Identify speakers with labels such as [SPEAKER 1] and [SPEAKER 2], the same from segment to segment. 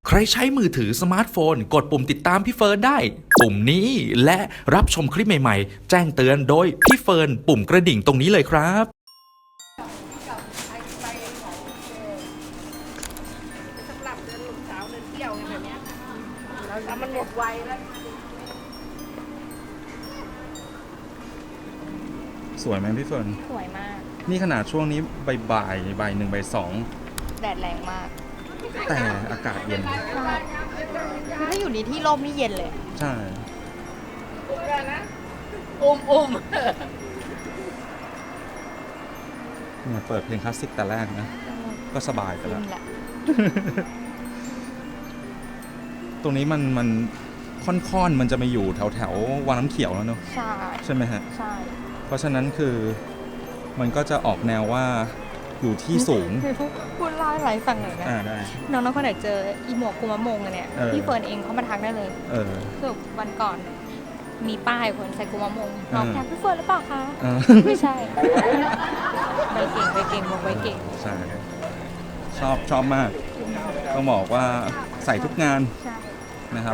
[SPEAKER 1] ใครใช้มือถือสมาร์ทโฟนกดปุ่มติดตามพี่เฟิร์นได้ปุ่มนี้และรับชมคลิปใหม่ๆแจ้งเตือนโดยพี่เฟิร์นปุ่มกระดิ่งตรงนี้เลยครับ
[SPEAKER 2] สำหรับเดินหลุมสาวเดินเที่ยวไงแบบเนี้ยแล้วมันหมดไวแล้ว
[SPEAKER 3] สวยไหมพี่เฟิร์น
[SPEAKER 2] สวยมาก
[SPEAKER 3] นี่ขนาดช่วงนี้บ่ายหนึ่งบ่ายสอง
[SPEAKER 2] แดดแรงมาก
[SPEAKER 3] แต่อากาศเย็น
[SPEAKER 2] คือถ้าอยู่ในที่ร่มนี่เย็นเลย
[SPEAKER 3] ใช่
[SPEAKER 2] อุ้ม
[SPEAKER 3] เนี่ยเปิดเพลงคลาสสิกแต่แรกนะ ก็สบายไปแล้ว
[SPEAKER 2] แหละ
[SPEAKER 3] ตรงนี้มันค่อนๆมันจะมาอยู่แถววังน้ำเขียวแล้วเนอะ
[SPEAKER 2] ใช่
[SPEAKER 3] ใช่ไหมฮะ
[SPEAKER 2] ใช่
[SPEAKER 3] เพราะฉะนั้นคือมันก็จะออกแนวว่าอยู่ที่สูง
[SPEAKER 2] พูดเล่าให้ไรฟังหน่อยนะ
[SPEAKER 3] ได้
[SPEAKER 2] น้องๆคนไหนเจออีหมวกกุมะมงอะเนี่ย
[SPEAKER 3] เออ
[SPEAKER 2] พี่เฟิร์นเองเขามาทักได้เลย
[SPEAKER 3] เออ
[SPEAKER 2] คือวันก่อน มีป้ายคนใส่กุมะมงน้อง
[SPEAKER 3] เออ
[SPEAKER 2] แทนพี่เฟิร์นหรือเปล่าคะ
[SPEAKER 3] เออ
[SPEAKER 2] ไม่ใช่ใบเก่งบอกใบเก่ง
[SPEAKER 3] ใช่ชอบมาก ต้องบอกว่าใส่ทุกงาน
[SPEAKER 2] ใช่
[SPEAKER 3] นะครับ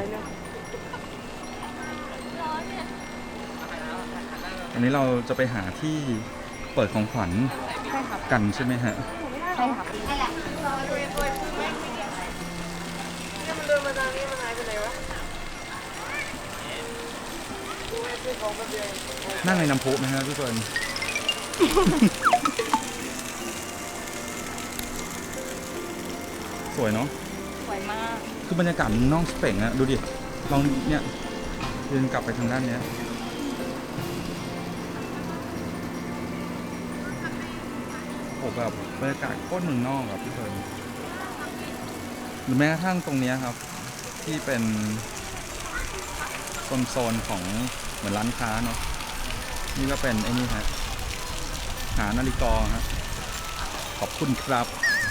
[SPEAKER 3] อันนี้เราจะไปหาที่เปิดของขวัญ
[SPEAKER 2] ใช่ครับ
[SPEAKER 3] กันใช่ไหมฮะ
[SPEAKER 2] ใช่ครับ
[SPEAKER 3] นั่งในน้ำพุไหมฮะพี่เฟิร์น สวยเนาะ
[SPEAKER 2] สวยมาก
[SPEAKER 3] คือบรรยากาศมันน่องเป่งอะดูดิ ลองเนี่ยเดินกลับไปทางด้านเนี้ยโอ้แบบบรรยากาศโคตรเมืองนอกอะพี่เฟิร์นหรือแม้กระทั่งตรงเนี้ยครับ ที่เป็นโซนของเหมือนร้านค้าเนาะ นี่ก็เป็นไอ้นี่ฮะ หานาฬิกาฮะ ขอบคุณครับ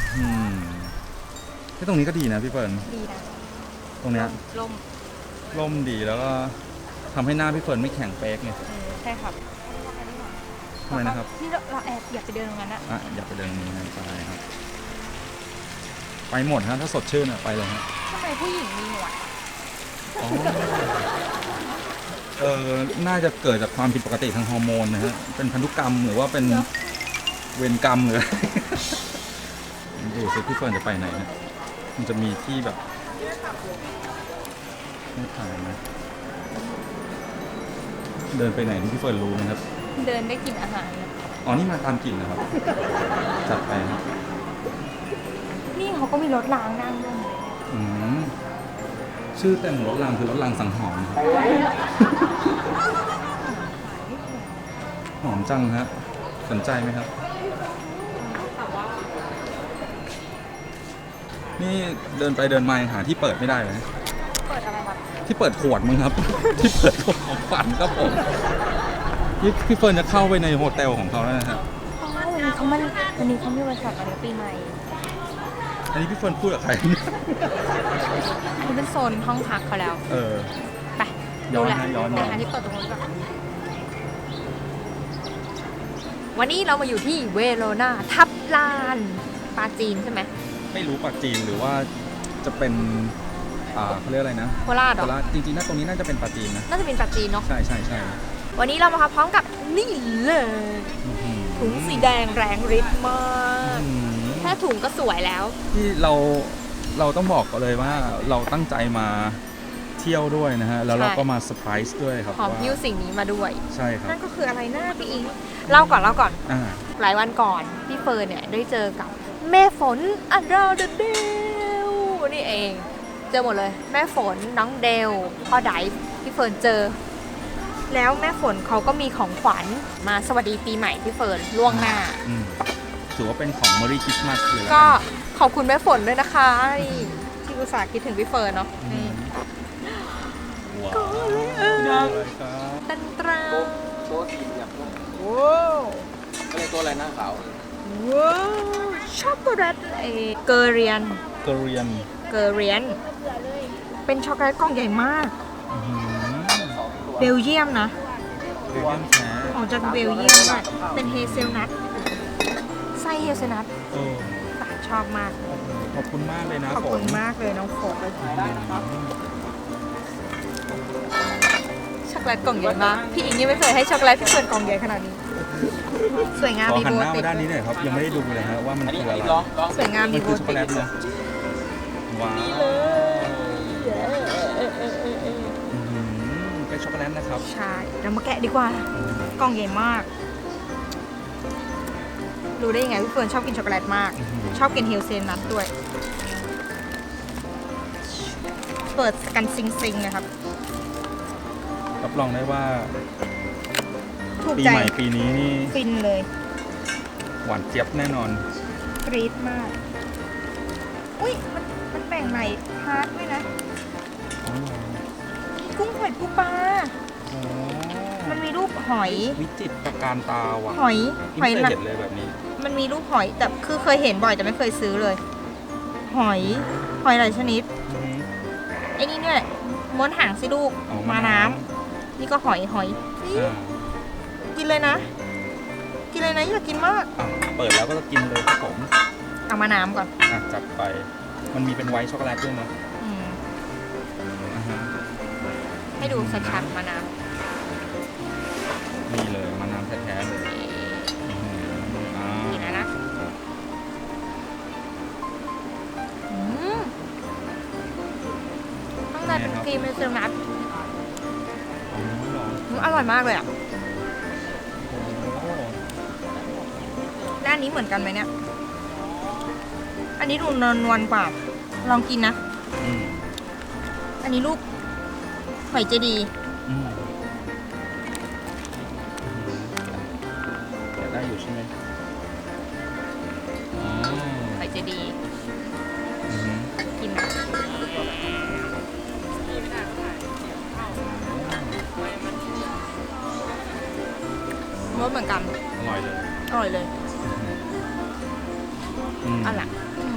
[SPEAKER 3] ที่ตรงนี้ก็ดีนะพี่เฟิร์น
[SPEAKER 2] ดีนะ
[SPEAKER 3] ตรงเนี้ย
[SPEAKER 2] ลม
[SPEAKER 3] ร่มดีแล้วก็ทำให้หน้าพี่เฟิร์นไม่แข็งเป๊กไง
[SPEAKER 2] ใช่ครับ
[SPEAKER 3] ทำไมนะครับ
[SPEAKER 2] ที่เราแอบอยากไปเดินตรงนั้นอะ
[SPEAKER 3] อ่ะอยากไปเดินนี้นะไปครับ ไปหมดฮะถ้าสดชื่นอ่ะไปเลยฮะ
[SPEAKER 2] ทำไมผู้หญิงมีหนวด
[SPEAKER 3] อ๋อน่าจะเกิดจากความผิดปกติทางฮอร์โมนนะฮะเป็นพันธุกรรมหรือว่าเป็นเวรกรรมหรืออะไร ดูสิพี่เฟิร์นจะไปไหนนะมันจะมีที่แบบไม่ถ่ายนะเดินไปไหนนี่พี่เฟิร์นรู้นะครับ
[SPEAKER 2] เดินได้กินอาหารนะ
[SPEAKER 3] อ๋อนี่มาตามกลิ่นนะครับ จัดไปครับ
[SPEAKER 2] นี่เขาก็มีรถล้างนั่งด้วย
[SPEAKER 3] อืมชื่อเต็มรถรางคือรถรางสังหรณ์ครับหอมจังฮะสนใจไหมครับ นี่เดินไปเดินมายังหาที่เปิดไม่ได้เลย
[SPEAKER 2] เปิดอะไรครับ
[SPEAKER 3] ที่เปิดขวดมั้งครับ ที่เปิดขวดของขวัญครับผมนี่พี่เฟิร์นจะเข้าไปในโฮเทลของเขาแล้วนะฮะ
[SPEAKER 2] อ๋อวันนี้เขามีวันฉลองวันปีใหม่
[SPEAKER 3] อันนี้พี่เฟิร์นพูดกับใคร
[SPEAKER 2] อันนี้เป็นโซนห้องพักเขาแล้ว
[SPEAKER 3] เออ
[SPEAKER 2] ไป
[SPEAKER 3] ย้อน
[SPEAKER 2] ดูแหละ
[SPEAKER 3] นะย้อน
[SPEAKER 2] ไปหาที่เปิดตรงนู้นก่อนวันนี้เรามาอยู่ที่เวโรนาทับลานปาจีนใช่ไหม
[SPEAKER 3] ไม่รู้ปากจีนหรือว่าจะเป็นเขาเรียกอะไรนะ
[SPEAKER 2] โคราชเหร
[SPEAKER 3] โค
[SPEAKER 2] อ
[SPEAKER 3] ราชจริงๆนะตรงนี้น่าจะเป็นปาจีนนะ
[SPEAKER 2] น่าจะเป็นปาจีนเนาะ
[SPEAKER 3] ใช่ใช่ใช่
[SPEAKER 2] วันนี้เรามาพร้อมกับนี่เลยถุงสีแดงแรงฤทธิ์มาก แค่ถุงก็สวยแล้ว
[SPEAKER 3] ที่เราต้องบอกก่อนเลยว่าเราตั้งใจมาเที่ยวด้วยนะฮะ แล้วเราก็มาเซอร์ไพรส์ด้วยครับ
[SPEAKER 2] หอม
[SPEAKER 3] ว่า
[SPEAKER 2] พิ้วสิ่งนี้มาด้วย
[SPEAKER 3] ใช่ครับ
[SPEAKER 2] นั่นก็คืออะไรหน้าพี่อิงเล่าก่อน
[SPEAKER 3] อ่า
[SPEAKER 2] หลายวันก่อน พี่เฟิร์นเนี่ยได้เจอกับแม่ฝนอันดาเดเดลนี่เอง เจอหมดเลย แม่ฝนน้องเดลพ่อไดฟ์พี่เฟิร์นเจอ แล้วแม่ฝนเขาก็มีของขวัญมาสวัสดีปีใหม่พี่เฟิร์นล่วงหน้า
[SPEAKER 3] ถือว่าเป็นของ Merry Christmas เลยแล้ว
[SPEAKER 2] ก็
[SPEAKER 3] น
[SPEAKER 2] ขอบคุณแม่ฝนด้วยนะคะนี่ที่อุตส่าห์คิดถึงพี่เฟิร์นเนาะนี่
[SPEAKER 3] ว้าว
[SPEAKER 2] ก็เลย
[SPEAKER 3] ครับ
[SPEAKER 2] ตันตรา
[SPEAKER 4] โต๊ะสี่เหลี่ยมก็
[SPEAKER 2] ว้าว
[SPEAKER 4] เรียกโต๊ะอะไรหน้าขาว
[SPEAKER 2] ว้าวช็อกโกแลตเกอเรียน
[SPEAKER 3] เกเรียน
[SPEAKER 2] เป็นช็อกโกแลตกล่องใหญ่มาก เบลเยียมนะ
[SPEAKER 3] เบลเยียมแท้
[SPEAKER 2] ออกจากเบลเยียมด้วยเป็นเฮเซลนัทไส้เฮเซลนัท
[SPEAKER 3] เออ
[SPEAKER 2] สายชอบมาก
[SPEAKER 3] ขอบคุณมากเลยนะ
[SPEAKER 2] ขอบคุณมากเลยน้องฝนช็อกโกแลตกล่องใหญ่มากพี่อิงยังไม่เคยให้ช็อกโกแลตพี่เฟิร์นกล่องใหญ่ขนาดนี้สวยงาม
[SPEAKER 3] ขอ
[SPEAKER 2] มี
[SPEAKER 3] หัน
[SPEAKER 2] โบ
[SPEAKER 3] หน้า
[SPEAKER 2] ติ
[SPEAKER 3] มา
[SPEAKER 2] ด
[SPEAKER 3] ด้านนี้หน่อยครับยังไม่ได้ดูเลยฮะว่ามัน
[SPEAKER 4] อันนี้
[SPEAKER 3] คืออะไร
[SPEAKER 4] ลอง
[SPEAKER 2] สวยงาม
[SPEAKER 3] มั
[SPEAKER 2] มี
[SPEAKER 3] น
[SPEAKER 2] โบ
[SPEAKER 3] คือช็อกโก
[SPEAKER 2] ติ
[SPEAKER 3] แล
[SPEAKER 2] ด
[SPEAKER 3] ตนะว้าวเป็นช็อกโกแลตนะครับ
[SPEAKER 2] ใช่เรามาแกะดีกว่า กล่องใหญ่มาก รู้ได้ยังไงพี่เฟิร์นชอบกินช็อกโกแลตมาก ชอบกินเฮลเซนนัทด้วย เปิดกันซิงๆนะครับ
[SPEAKER 3] รับรองได้ว่า
[SPEAKER 2] ถูก
[SPEAKER 3] ปี
[SPEAKER 2] ใจ
[SPEAKER 3] ใหม่ปีนี้นี่
[SPEAKER 2] ฟินเลย
[SPEAKER 3] หวานเจี๊ยบแน่นอน
[SPEAKER 2] กรี๊ดมาก อุ้ยมันแบ่งใหม่พาร์ทด้วยนะ กุ้งหอยปูปลา มันมีรูปหอย
[SPEAKER 3] วิจิตรการตาว่ะ
[SPEAKER 2] หอย
[SPEAKER 3] ไม่เคย
[SPEAKER 2] หลัก
[SPEAKER 3] เห็นเลยแบบนี้
[SPEAKER 2] มันมีรูปหอย แต่คือเคยเห็นบ่อยแต่ไม่เคยซื้อเลย หอยหลายชนิด ไอ้นี่เนี่ยม้วนหางสิลูก
[SPEAKER 3] อ๋อ
[SPEAKER 2] มา
[SPEAKER 3] ม้า
[SPEAKER 2] น้ำ
[SPEAKER 3] น้
[SPEAKER 2] นี่ก็หอยนี่
[SPEAKER 3] อ่า
[SPEAKER 2] กินเลยนะ กินเลยนะอยากกินมาก
[SPEAKER 3] อ่ะเปิดแล้วก็จะกินเลยครับผม
[SPEAKER 2] เอามาน้ำก่อน
[SPEAKER 3] อ่ะจัดไป มันมีเป็นไวท์ช็อกโกแลตด้วยเนาะ
[SPEAKER 2] อืม
[SPEAKER 3] อ่าฮะ
[SPEAKER 2] ให้ดูชัดๆมาน้
[SPEAKER 3] นี่เลยมะนาวแท้ๆเลยอื้อหืออ่า
[SPEAKER 2] ำกินแล้วนะอืมข้างในเป็นครีมเป็นเซลนัท
[SPEAKER 3] อ๋อเหรอ
[SPEAKER 2] อร่อยมากเลยอ่ะ
[SPEAKER 3] โอ้โห
[SPEAKER 2] ด้านนี้เหมือนกันไหมเนี่ย อันนี้ดูนวลๆกว่า ลองกินนะ
[SPEAKER 3] อืม
[SPEAKER 2] อันนี้ลูกหอยเจดีย์
[SPEAKER 3] อืมแต่ได้อยู่ใช่ไหมอ๋อ
[SPEAKER 2] หอยเจดีย์
[SPEAKER 3] อือหือ
[SPEAKER 2] กินนะรสเหมือนกัน
[SPEAKER 3] อร่อยเลย
[SPEAKER 2] อร่อยเลย
[SPEAKER 3] อืม
[SPEAKER 2] อร่อย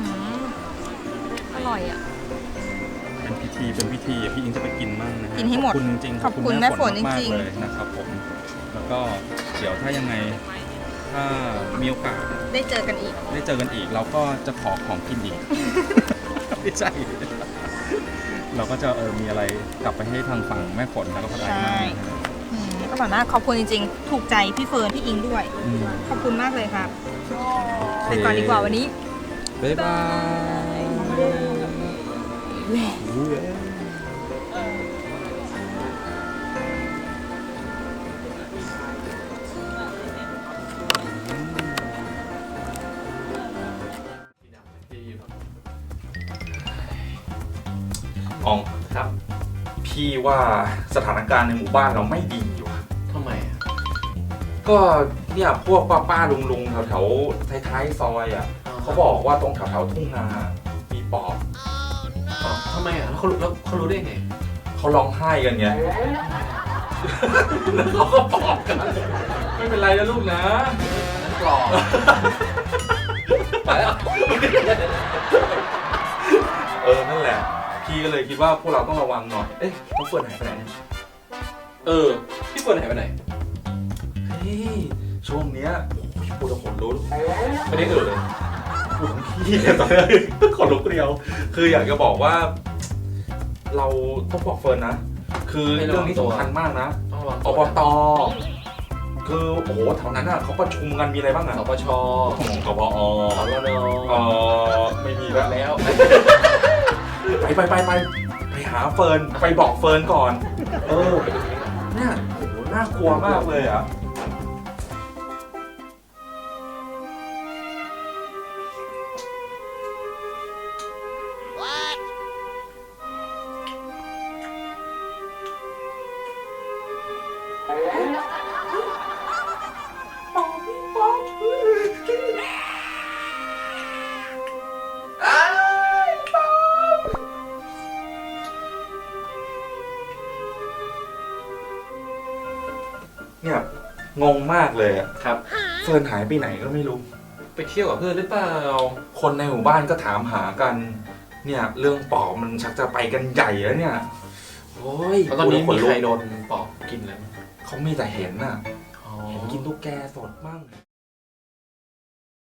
[SPEAKER 2] อร่อยอ่ะ
[SPEAKER 3] เป็นพิธีอ่ะพี่อิงจะไปกินมั่งนะฮะ
[SPEAKER 2] กินให้หมด
[SPEAKER 3] ขอบคุณจริงๆ
[SPEAKER 2] ขอบคุณแม่ฝน
[SPEAKER 3] มาก
[SPEAKER 2] จริง
[SPEAKER 3] ๆ
[SPEAKER 2] ๆ
[SPEAKER 3] เลยนะครับผม แล้วก็เดี๋ยวถ้ายังไง ถ้ามีโอกาส
[SPEAKER 2] ได้เจอกันอีก
[SPEAKER 3] ได้เจอกันอีก เราก็จะขอของกินอีก ไม่ใช่ เราก็จะมีอะไรกลับไปให้ทางฝั่งแม่ฝนแล้วก็พอได้
[SPEAKER 2] ใช่
[SPEAKER 3] มากนะฮะ
[SPEAKER 2] อร่อยมากขอบคุณจริงๆ ถูกใจพี่เฟิร์นพี่อิงด้วย
[SPEAKER 3] อืม
[SPEAKER 2] ขอบคุณมากเลยครับ ไปก่อนดีกว่าวันนี้
[SPEAKER 3] บ๊ายบาย
[SPEAKER 1] อองครับ พี่ว่าสถานการณ์ในหมู่บ้านเราไม่ดีว่ะ
[SPEAKER 4] ทำไมอ่ะ
[SPEAKER 1] ก็เนี่ยพวกป้าๆลุงๆแถวๆท้ายๆซอยอ่ะเขาบอกว่าตรงแถวๆทุ่งนามีปอบ
[SPEAKER 4] ทำไมอ่ะแล้วเขารู้ได้ไง
[SPEAKER 1] เขาร้องไห้กันไง แล้วเขาก็ปอบกัน ไม่เป็นไรนะลูกนะ
[SPEAKER 4] นั้นปลอมไปแล้ว
[SPEAKER 1] นั่นแหละ พี่ก็เลยคิดว่าพวกเราต้องระวังหน่อย เอ๊ะน้องเฟิร์นหายไปไหนเนี่ย
[SPEAKER 4] พี่เฟิร์นหายไปไหน
[SPEAKER 1] เฮ้ยช่วงเนี้ยโอ้ยปวดหัวรุนไม่ได้เลยปวดทั้งพี่เนี่ยตอนนี้ขนลุกเดียว คืออยากจะบอกว่า เราต้องบอกเฟิร์นนะ คือเรื่องนี้สำคัญมากนะ
[SPEAKER 4] ต้องระวัง
[SPEAKER 1] อบต คือโอ้โหแถวนั้นอ่ะเขาประชุมกันมีอะไรบ้างอ่ะ
[SPEAKER 4] สปช
[SPEAKER 1] ของกบอ
[SPEAKER 4] สวน
[SPEAKER 1] ไม่มีแล้ว
[SPEAKER 4] แล้ว
[SPEAKER 1] ไปหาเฟิร์นไปบอกเฟิร์นก่อน เนี่ยโอ้โหน่ากลัวมากเลยอ่ะ เนี่ยงงมากเลยอะ
[SPEAKER 4] ครับ
[SPEAKER 1] เฟิร์นหายไปไหนก็ไม่รู้
[SPEAKER 4] ไปเที่ยวกับเพื่อนหรือเปล่า
[SPEAKER 1] คนในหมู่บ้านก็ถามหากัน เนี่ยเรื่องปอบมันชักจะไปกันใหญ่แล้วเนี่ยโอ้ย
[SPEAKER 4] แล้วตอนนี้
[SPEAKER 1] พู
[SPEAKER 4] มี
[SPEAKER 1] แล้วข
[SPEAKER 4] ใคร
[SPEAKER 1] ลุก
[SPEAKER 4] โดนปอบกินอะไรไหม
[SPEAKER 1] เขามีแต่เห็นน่ะ
[SPEAKER 4] อ๋อ
[SPEAKER 1] เห็นกินตุ๊กแกสดมั่ง